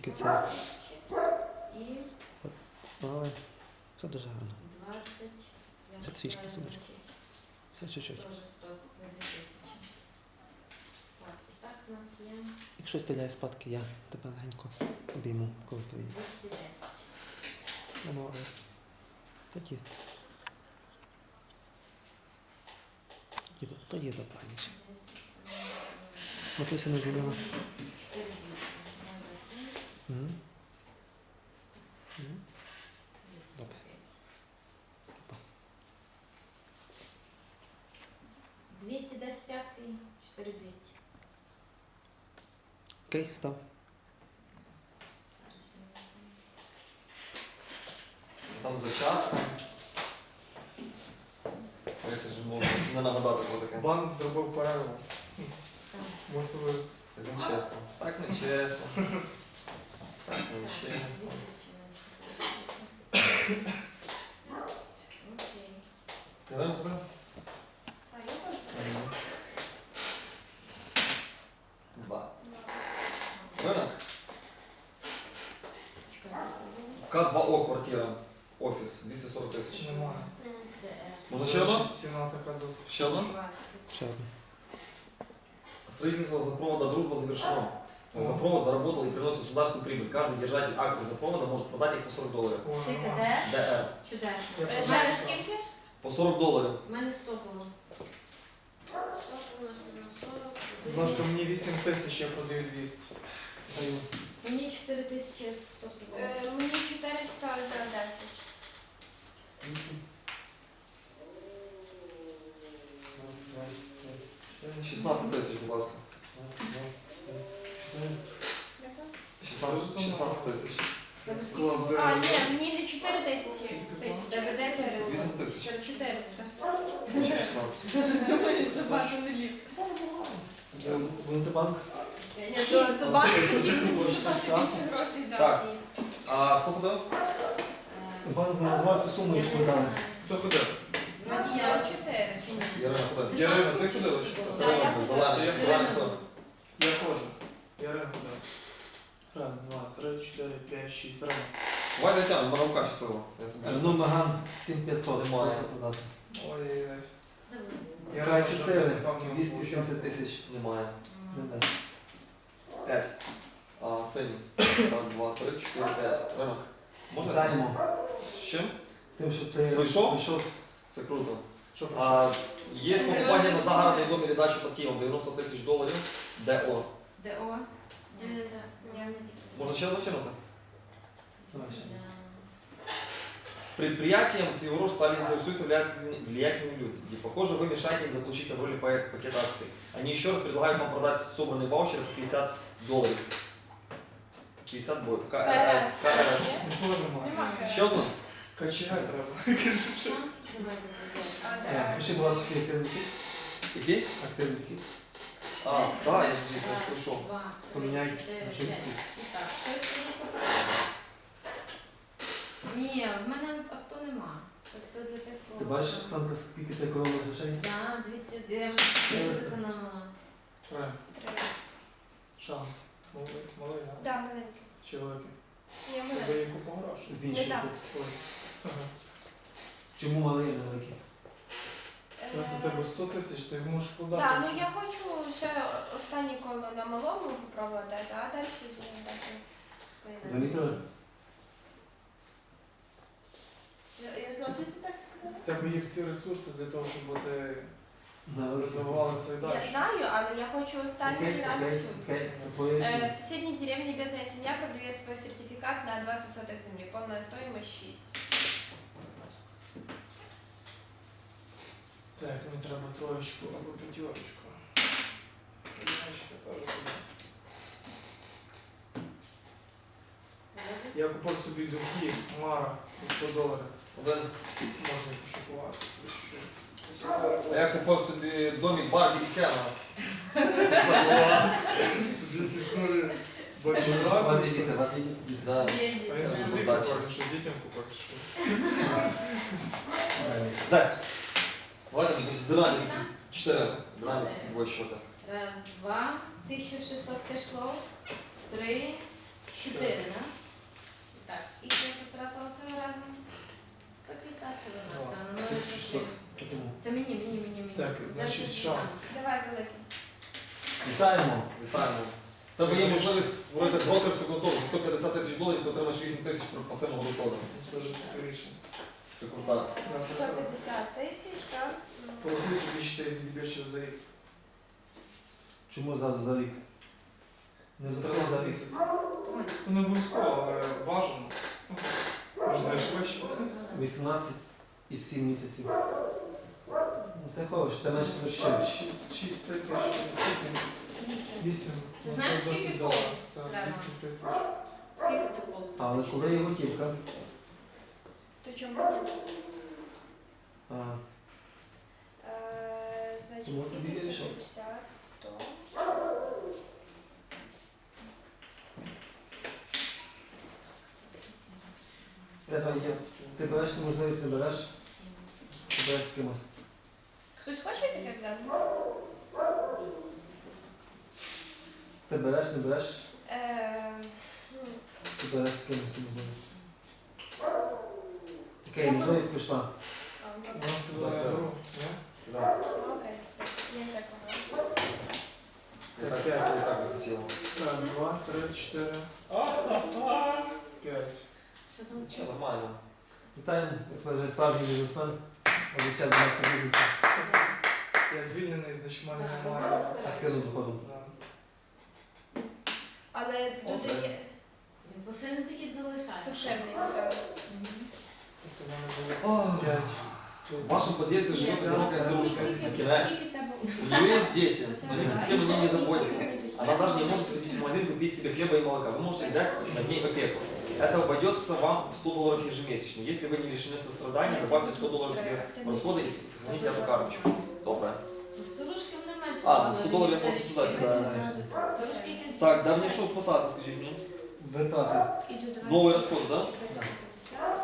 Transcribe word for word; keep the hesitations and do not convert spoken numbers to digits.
трошки це. І Але все дуже гарно. двадцять. Я Ще трішки, читаю, сонечко. значить, Ще чуть-чуть. теж сто за дві тисячі. Так, і так у нас є Якщо стріляє спадки, я тебе легенько обійму, коли приїду. двісті десять. Намовились. Тоді. Тоді, тоді до паніч. Матуся не дзвонила. чотири двісті. Угу. Угу. Добре. двісті десять акцій, чотири двісті. Окей, став. Там зачасно. Я ж можу не нагадати про таке. Банк зробив перерву. Мусили. Так не чесно. Так не чесно. Так не чесно. Окей. Ірина, куди? Два. Ірина? Чекайте, це було. К два О квартира. Офіс. двісті сорок тисяч. Немає. ДР. Можна ще одна? Ціна така досить. Ще одна? двадцять. Ще одне. Строительство запровода «Дружба» завершено. Запровод заработал и приносит государству прибыль. Каждый держатель акций запровода может продать их по сорок долларов. О, Це немає. КД? ДР. Чудесно. Я У мене пам'ятаю. скільки? По сорок долларов. У мене сто було. сто помножити на сорок. Просто мені вісім тисяч, я продаю двісті. Даю. Мені чотири тисячі сто продало. Е, Мені чотириста за десять. шістнадцять тисяч, будь ласка. шістнадцять, шістнадцять тисяч. Там скільки Склад було? ДР. А, ні, мені не чотири тисячі. Тебе десять вісім тисяч. чотириста. шістнадцять. Це бажаний лік. Будете банк? То банк хотів мені заплатити більше грошей дати. Так. А хто ходив? Банк не називав цю суму, яку дали. Хто ходив? Вроді Я я чотири. чи ні? Ярина ходив. Це Ярина, шанс ти чи ходила що чи це було? що? Да, я Зелений, зелений, Я зелений ходила. хто? Я ходжу. Ярина ходив. Раз, два, три, чотири, п'ять, шість. Рано. Давай дотягнемо, мене рука щаслива. Я собі. Ну, Маган сім п'ятсот Немає. продати. Ой-ой-ой. Де Ярина К вже чотири, напевно, двісті сімдесят участвує. тисяч. Немає. Не було? дасть. П'ять. А, синій. Раз, два, три, чотири, п'ять. Ринок. Можна синій? Вітаємо. З чим? Тим, що ти Прийшов? прийшов. Це круто. Що пройшло? А, є покупання на загородний дом или дачу під Києвом, дев'яносто тисяч доларів. ДО. ДО? Ні, це Ні. не тільки. Можна ще дотягнути? Давай ще. Предприятием Криворож стали интересуются влиятельные, влиятельные люди. И, похоже, вы мешаете им заполучить в роли пакета акций. Они еще раз предлагают вам продать собранный ваучер по пятьдесят долларов. пятьдесят будет. КРС. КРС. Ніколи немає. Нема. Еще одна? Качігай треба. Давайте А, добре. де? Пиши, будь ласка, свій активний вхід. Какие? Активний вхід. А, да, я же здесь, я же пришел. Два, Поміняй три, чотири, режим. п'ять. І так, щось тоді купити? Ні, в мене авто нема. Це для тих, Ти бачиш, Оксанка, скільки ти економила грошей? Так, двісті, я вже дуже зекономила. Треба. Три. Шанс. Малий, малий, да? Да, маленький. Чи великий? Ні, Тебе маленький. є купа грошей. З іншого. Не так. Ой. Ага. Чому малий і невеликий? Раз у тебе сто тисяч, ти можеш подати. Так, ну я хочу ще останнє коло на малому попробувати, а далі вже дати. поїдемо. Замітили? Я, я знала, що ти так сказала. В тебе є всі ресурси для того, щоб ти На розвивала свої Я далі. знаю, але я хочу останній Окей, раз окей, тут. окей, це твоє Э, В рішення. соседней деревне бедная семья продает свой сертификат на двадцать соток земли. Полная стоимость шесть. Так, мені треба троєчку або п'ятерочку. П'ятерочка теж буде. Я купив собі духи Мара за сто доларів. Один. Можна і пошокувати собі чуть-чуть. сто доларів. А я купив собі домик Барбі і Кена. Тобі якісь нові У вас є діти, у бачу. вас є діти. Да. А я Да. собі Здачі. купив, що дітям купив, що. Так. Давайте динамік. Скільки там? Чотири. Динамік Чотири. двоє счета. Раз, два, тисяча шістсот кешлов, три, чотири, да? Так, скільки я потратила цього разу? сто п'ятдесят всього на все, на ноль Що? Це тому. Це мені, мені, мені, мені. Так, Це значить, ж шанс. Давай великий. Вітаємо. Вітаємо. В тебе є можливість створити брокерську контору за сто п'ятдесят тисяч доларів, ти отримаєш вісім тисяч при пасивному доходу. Це дуже цікавіше. Це круто. сто п'ятдесят тисяч, так? Ну, Порахуй собі чотири відбірчі за рік. Чому зразу за рік? Не за тринадцять за рік. Ну, не обов'язково, але бажано. Можна і швидше. вісімнадцять і сім місяців. Ну, це хороше, це менше вообще. шість тисяч, скільки? Вісім. вісім. Ти знаєш, Це скільки досить коло добре. Це треба? вісім тисяч. Скільки це полк? Але коли є готівка? То чому ні? А, Е, Значить, Тому скільки тобі сто більше. п'ятдесят, сто. тебе є. Ти береш цю можливість, не береш, ти береш з кимось. Хтось хоче таке взяти? Ти береш, не береш, Е, ну, ти береш з кимось цю можливість. Окей, можливість пішла. а, ну, Вона сказала, За я це. беру. Ні? Да. ну, окей. Я не так говорю. Я так, я так би хотів. Раз, два, три, чотири. П'ять. Що там Все нормально. Вітаємо, ви вже справжній бізнесмен. Вже час займатися бізнесом. Я звільнений, значить, в мене Так, немає. роботу стараюсь. Активним доходом. Да. Але додає Посильний дохід залишається. поширний все. Мгм. Тобто в мене було Ох. п'ять. В вашем подъезде живет одинокая старушка, Скільки- Акирай. скільки в тебе? У нее есть дети, но они совсем о ней не заботятся. Пасивний дохід. Она даже не может сходить в магазин купить себе хлеба и молока. Вы можете взять над ней опеку. Это обойдется вам в сто долларов ежемесячно. Если вы не лишены сострадания, добавьте сто долларов себе в расходы и сохраните эту карточку. Добре. Ну, Старушки вони менше. А, вкладали, сто доларів ніж я просто старички. сюди кидаю. Старушки якісь Так, давнішого посадка, скажіть мені. Витрати. Іду до вас. Новий розход, да? чотириста п'ятдесят.